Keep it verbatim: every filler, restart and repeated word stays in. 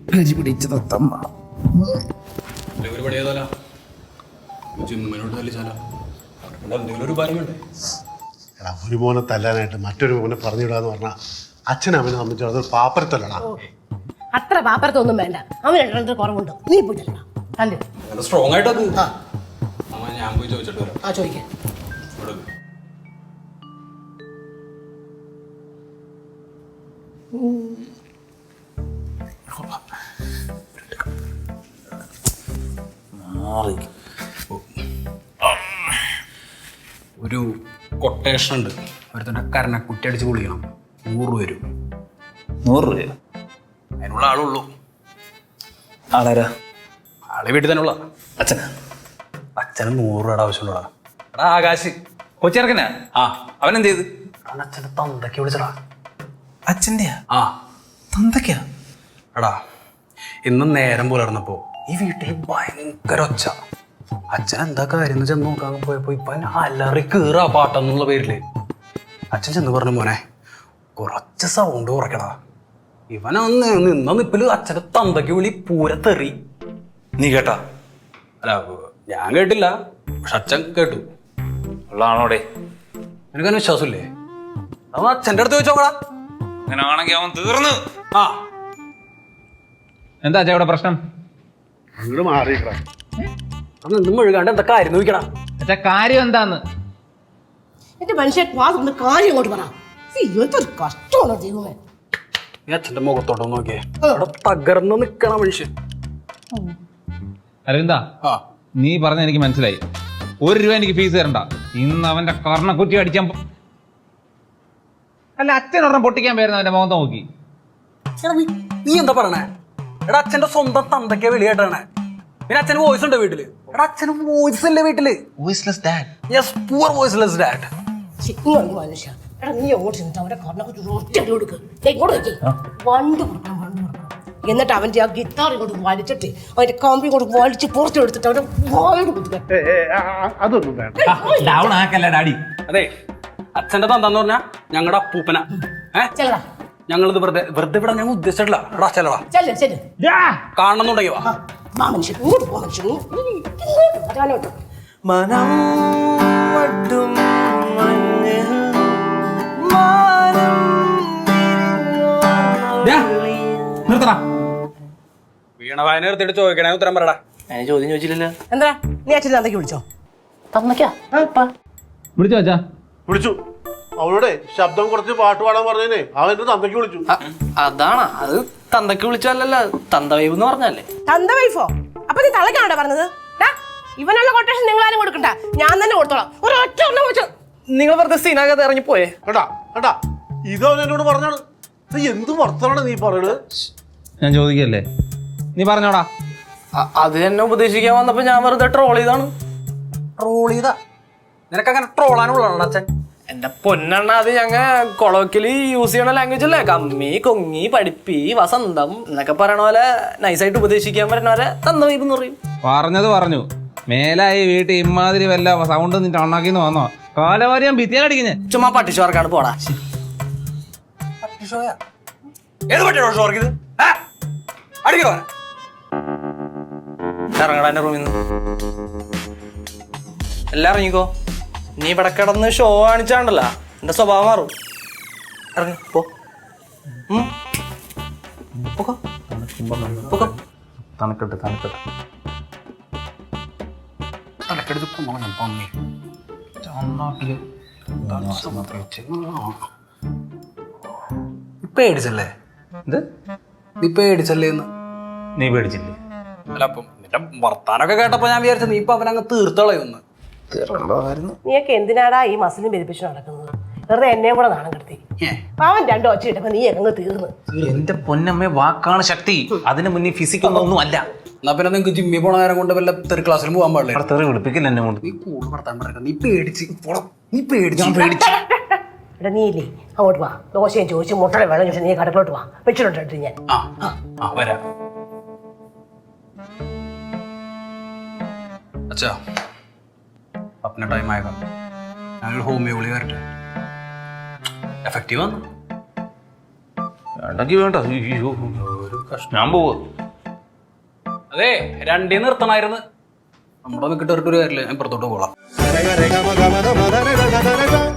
ഹരി പിടിച്ച തത്തമ്മ ഒരു മോനെ തല്ലാനായിട്ട് മറ്റൊരു മോനെ പറഞ്ഞിടാന്ന് പറഞ്ഞാൽ അച്ഛനും അവനെ സംബന്ധിച്ച് അതൊരു പാപ്പരത്തല്ലടാ. അത്ര പാപ്പരത്തൊന്നും വേണ്ട. അവൻ രണ്ടു കുറവുണ്ട്. നീ പോയിട്ടല്ല സ്ട്രോങ് ആയിട്ടത് ഞാൻ പോയി ചോദിച്ചിട്ട് വരാം. ആ ചോദിക്കാം. ഒരു കൊട്ടേഷൻ ഉണ്ട്. ഒരുത്തൻ്റെ കരണക്കുറ്റി അടിച്ച് പൊളിക്കണം. നൂറ് രൂപ വരും. നൂറ് രൂപ അതിനുള്ള ആളുള്ളൂ. ആളാരാ? ആളെ വീട്ടിൽ തന്നെ ഉള്ള അച്ഛനാ? അച്ഛന് നൂറ് രൂപയുടെ ആവശ്യമുള്ളടാ. എടാ ആകാശ് കൊച്ചിറക്കനാ? ആ അവനെന്ത് ചെയ്ത്? അവൻ അച്ഛൻ്റെ തന്തയ്ക്ക് വിളിച്ചടാ. അച്ഛൻ്റെയാ? ആ തന്തയ്ക്കാ? എടാ ഇന്ന് നേരം പുലർന്നപ്പോ ഈ വീട്ടിൽ ഭയങ്കര ഒച്ച. അച്ഛൻ എന്താ കാര്യം എന്ന് ചെന്ന് നോക്കാൻ പോയപ്പോ ഇപ്പൊ അലറി കീറാ പാട്ടെന്നുള്ള പേരില്. അച്ഛൻ ചെന്ന് പറഞ്ഞു, മോനെ കുറച്ച് സൗണ്ട് കുറയ്ക്കടാ. ഇവനന്ന് നിന്ന നിപ്പില് അച്ഛൻ്റെ തന്തയ്ക്ക് വിളി പൂരത്തെറി. നീ കേട്ടാ? അല്ല ഞാൻ കേട്ടില്ല, പക്ഷെ അച്ഛൻ കേട്ടു. ഉള്ളതാണോടെ? എനിക്കതിന് വിശ്വാസമില്ലേ? അവൻ അച്ഛൻ്റെ അടുത്ത് ചോദിച്ചോക്കടാ. അങ്ങനെ ആണെങ്കിൽ അവൻ തീർന്നു. ആ എന്താ അച്ഛാ ഇവിടെ പ്രശ്നം? അങ്ങോട്ട് മാറിയിട്ടാ. അന്ന് എന്തും മുഴുകാണ്ട് എന്താ കാര്യം നോക്കണം. അച്ഛാ കാര്യം എന്താന്ന്? എന്റെ മനുഷ്യൻ വാസത്തിന്റെ കാര്യം ഇങ്ങോട്ട് പറ. എന്തൊരു കഷ്ടമാണ് ദൈവമേ. ഈ അച്ഛൻ്റെ മുഖത്തോട്ടൊന്ന് നോക്കിയേ, അവിടെ തകർന്ന് നിക്കണ മനുഷ്യൻ. അരവിന്ദ, ആ നീ പറഞ്ഞ എനിക്ക് മനസ്സിലായി. ഒരു രൂപ എനിക്ക് ഫീസ് തരണ്ട. ഇന്ന് അവന്റെ കർണക്കുറ്റി അടിക്കാൻ പോ- അല്ല അച്ഛൻ ഒരെണ്ണം പൊട്ടിക്കാൻ പേരുന്ന അവന്റെ മുഖത്ത് നോക്കി. എടാ നീ നീ എന്താ പറയണേ? എടാ അച്ഛന്റെ സ്വന്തം തന്തയ്ക്ക് വിളിയായിട്ടാണ്. പിന്നെ അച്ഛന് വോയിസ് ഉണ്ട് വീട്ടില്. എടാ അച്ഛന് വോയിസ് ഇല്ലേ വീട്ടില്? Voiceless dad. Yes, poor voiceless dad. ഇങ്ങോട്ട് മനുഷ്യ. എടാ നീ അങ്ങോട്ട് ചെന്നിട്ട് അവന്റെ കർണക്കുറ്റി ഒറ്റടി കൊടുക്ക്. ഇങ്ങോട്ട് വെക്കേ വണ്ട് കൊടുക്കണം, വണ്ട് കൊടുക്കണം. എന്നിട്ട് അവന്റെ ആ ഗിത്താർ ഇങ്ങോട്ട് വലിച്ചിട്ട് അവന്റെ കമ്പി ഇങ്ങോട്ട് വലിച്ച് പുറത്തു എടുത്തിട്ട് അവന്റെ വായോട് കുത്തുക. അതൊന്നും വേണ്ട. ഡൗൺ ആക്കല്ല ഡാഡി. അതെ അച്ഛന്റെ തന്താന്ന് പറഞ്ഞാ ഞങ്ങളുടെ അപ്പൂപ്പന. ഏഹ് ചെല്ലടാ ഞങ്ങളിത് വെറുതെ വെറുതെ വിടാൻ ഞങ്ങൾ ഉദ്ദേശിച്ചിട്ടില്ല. എടാ ചെല്ലടാ, ചെല്ല് ചെല്ല്. കാണണമെന്നുണ്ടെങ്കിൽ വാ. വാ മനുഷ്യൻ, ഇങ്ങോട്ട് പോ മനുഷ്യൻ. ഇങ്ങോട്ട് വരാനോട്ട്. മനം വട്ടും മഞ്ഞിൽ മാനം നിർത്തടാ. വീണ വായന നിർത്തിയിട്ട് ചോദിക്കണേ ഉത്തരം പറയടാ. ഞാൻ ചോദ്യം ചോദിച്ചില്ലല്ലോ. എന്താ നീ അച്ഛൻ തന്തയ്ക്ക് വിളിച്ചോ? തന്നക്കാ വിളിച്ചോ അച്ഛാ? വിളിച്ചു. അവളോടെ ശബ്ദം കുറച്ച് പാട്ട് പാടാൻ പറഞ്ഞേ അവൻ എന്റെ തന്തയ്ക്ക് വിളിച്ചു. അതാണ് അത്. തന്തക്ക് വിളിച്ചല്ലല്ലോ, തന്ത വൈബ് എന്ന് പറഞ്ഞല്ലേ. തന്ത വൈഫോ? അപ്പൊ നീ തളക്കാണോ പറഞ്ഞത്? ഇവനുള്ള കൊട്ടേഷൻ നിങ്ങൾ ആരും കൊടുക്കണ്ട, ഞാൻ തന്നെ കൊടുത്തോളാം. ഒരു ഒറ്റ ഒന്നും വെച്ചു. നിങ്ങൾ വെറുതെ സീനാകാതെ ഇറങ്ങി പോയേ. കേട്ടാ കേട്ടാ, ഇത് അവൻ എന്നോട് പറഞ്ഞാണ്. എന്ത് വർത്തമാണ് നീ പറയണത്? ഞാൻ ചോദിക്കല്ലേ, നീ പറഞ്ഞോടാ. അത് എന്നെ ഉപദേശിക്കാൻ വന്നപ്പോ ഞാൻ വെറുതെ ട്രോൾ ചെയ്താണ്. ട്രോൾ ചെയ്താ? നിനക്ക് അങ്ങനെ ട്രോളാനുള്ളതാണ് അച്ഛൻ? എന്റെ പൊന്നെണ്ണ, അത് ഞങ്ങ കൊളോക്കില് യൂസ് ചെയ്യണ ലാംഗ്വേജ് അല്ലേ. കമ്മി കൊങ്ങി പഠിപ്പി വസന്തം എന്നൊക്കെ പറയണ പോലെ നൈസായിട്ട് ഉപദേശിക്കാൻ പറ്റുന്ന പോലെ തന്ന വൈബ് എന്ന് പറയും. പറഞ്ഞത് പറഞ്ഞു. മേലായി വീട്ടിൽ ഇമാതിരി വല്ല സൗണ്ട് നിന്റെ ഉണ്ടാക്കിന്ന് വന്നോ? കാലവാരിയാൻ ഭിത്തിയാലടിക്കുന്നേ. ചുമ്മാ പട്ടിഷോർക്കാണ് പോടാ. ഏത് പറ്റിയോ ഷോ വർക്കിത്? അടിക്കോ ഇറങ്ങടാ എന്റെ റൂമിൽ നിന്ന്. എല്ലാം ഇറങ്ങിക്കോ. നീ ഇവിടെ കിടന്ന് ഷോ കാണിച്ചാണ്ടല്ല എന്റെ സ്വഭാവം മാറും. ഇറങ്ങി പോ. തണുക്കട്ടെ തണുക്കട്ടെ. തലക്കെടുത്ത് കുമ്മളം പന്നി പേടിച്ചല്ലേ? ഇത് നീ പേടിച്ചല്ലേ എന്ന്? നീ പേടിച്ചില്ലേ? അല്ല അപ്പം നിന്റെ വർത്താനൊക്കെ കേട്ടപ്പോ ഞാൻ വിചാരിച്ചു നീ ഇപ്പൊ അവനങ്ങ് തീർത്തോളയൊന്ന്. നീയൊക്കെ എന്തിനാടാ ഈ മസിലും പെരുപ്പിച്ച് നടക്കുന്നത്? വെറുതെ എന്നെയും കൂടെ നാണം കെടുത്തി. അവൻ രണ്ടു ഒച്ച ഇട്ടപ്പോ നീ അങ്ങ് തീർന്നു. എന്റെ പൊന്നമ്മ, വാക്കാണ് ശക്തി. അതിന് മുന്നേ ഫിസിക്കൊന്നും ഒന്നും അല്ല. എന്നാ പിന്നെ നിങ്ങക്ക് ജിമ്മിൽ പോണ നേരം കൊണ്ട് വല്ല തെറി ക്ലാസ്സിലും പോകാൻ പാടില്ല. തെറി വിളിപ്പിക്കില്ല എന്നെ കൊണ്ട്. നീ കൂടുതൽ വർത്താൻ പറയണ്ട. നീ പേടിച്ച് നീ പേടിച്ച് ഞാൻ പേടിച്ചു. എടാ നീ ഇല്ലേ അങ്ങോട്ട് വാ. ദോശയും ചോദിച്ചു മുട്ടയുടെ വെള്ളം ചോദിച്ചു നീ കടക്കിലോട്ട് വാ. വെച്ചിട്ടുണ്ട് ഞാൻ. ആ ആ വരാം. അച്ഛാ അപ്പന ടൈം ആയതാ. ഞാനൊരു ഹോമിയോ ഗുളിക വരട്ടെ. എഫക്റ്റീവ് ആണ്. വേണ്ടെങ്കിൽ വേണ്ട. ഞാൻ പോവാ. അതെ രണ്ടീ നിർത്തണായിരുന്നു നമ്മുടെ നിൽക്കിട്ട് ഒരു കാര്യമില്ല ഞാൻ പുറത്തോട്ട് പോകാം